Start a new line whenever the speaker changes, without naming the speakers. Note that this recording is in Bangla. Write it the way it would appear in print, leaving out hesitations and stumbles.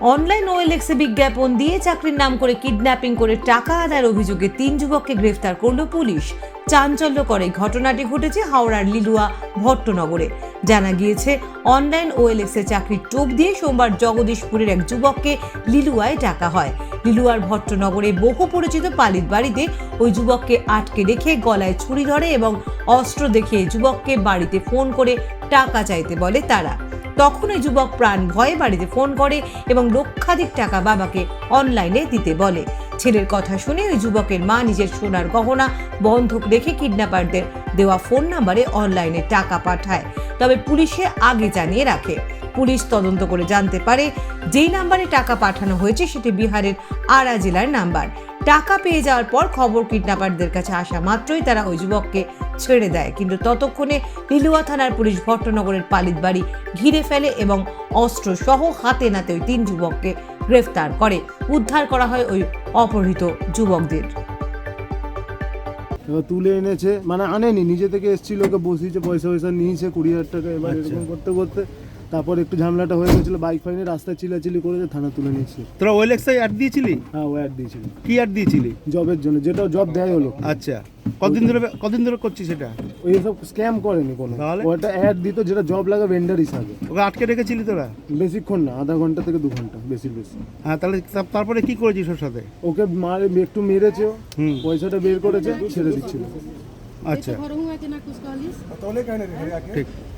অনলাইন ওএলএক্সে বিজ্ঞাপন দিয়ে চাকরির নাম করে কিডন্যাপিং করে টাকা আদায়ের অভিযোগে 3 যুবককে গ্রেফতার করল পুলিশ। চাঞ্চল্যকর এই ঘটনাটি ঘটেছে হাওড়ার লিলুয়া ভট্টনগরে। জানা গিয়েছে, অনলাইন ওএলএক্সে চাকরির টোপ দিয়ে সোমবার জগদীশপুরের এক যুবককে লিলুয়ায় ডাকা হয়। লিলুয়ার ভট্টনগরে বহু পরিচিত পালিত বাড়িতে ওই যুবককে আটকে রেখে গলায় ছুরি ধরে এবং অস্ত্র দেখিয়ে যুবককে বাড়িতে ফোন করে টাকা চাইতে বলে তারা। তখন ওই যুবক প্রাণ ভয়ে বাড়িতে ফোন করে এবং লক্ষাধিক টাকা বাবাকে অনলাইনে দিতে বলে। ছেলের কথা শুনে ওই যুবকের মা নিজের সোনার গহনা বন্ধক রেখে কিডন্যাপারদের দেওয়া ফোন নাম্বারে অনলাইনে টাকা পাঠায়। তবে পুলিশে আগে জানিয়ে রাখে। পুলিশ তদন্ত করে জানতে পারে, যেই নাম্বারে টাকা পাঠানো হয়েছে সেটি বিহারের আরা জেলার নাম্বার। টাকা পেয়ে যাওয়ার পর খবর কিডন্যাপারদের কাছে আসা মাত্রই তারা ওই যুবককে ছেড়ে দেয়। কিন্তু ততক্ষণে লিলুয়া থানার পুলিশ ভট্টনগরের পালিত বাড়ি ঘিরে ফেলে এবং অস্ত্র সহ হাতে নাতে ওই 3 যুবককে গ্রেফতার করে। উদ্ধার করা হয় ওই অপহৃত যুবকদের।
এবার তুলে এনেছে, মানে আনেনি, নিজে থেকে এসেছিল, ওকে বসিয়েছে, পয়সা নিয়েছে 20,000 টাকা। এবার এরকম করতে করতে তারপর একটু ঝামেলাটা হয়ে গেছিল, বাইক ফাইনে রাস্তায় চিল্লাচিল্লি করেছে, থানা তুলে নিয়েছে।
তোরা ওএলএক্সে অ্যাড দিয়েছিলি?
হ্যাঁ, ও অ্যাড দিয়েছিল।
কি অ্যাড দিয়েছিলি?
জবের জন্য, যেটা জব দেয় হলো।
আচ্ছা, কতদিন ধরে করছিস সেটা?
ওই সব স্ক্যাম করেনি কোনো,
তাহলে?
ওটা অ্যাড দিত যেটা জব লাগে ভেন্ডার হিসাবে।
ওকে আটকে রেখেছিলি তোরা?
বেশিক্ষণ না, আধা ঘন্টা থেকে 2 ঘন্টা, বেশি।
হ্যাঁ, তাহলে তারপরে কি করেছিস ওর সাথে?
ওকে একটু মেরেছে, পয়সাটা বের করেছে, ছেড়ে দিচ্ছিল।
আচ্ছা, ঠিক।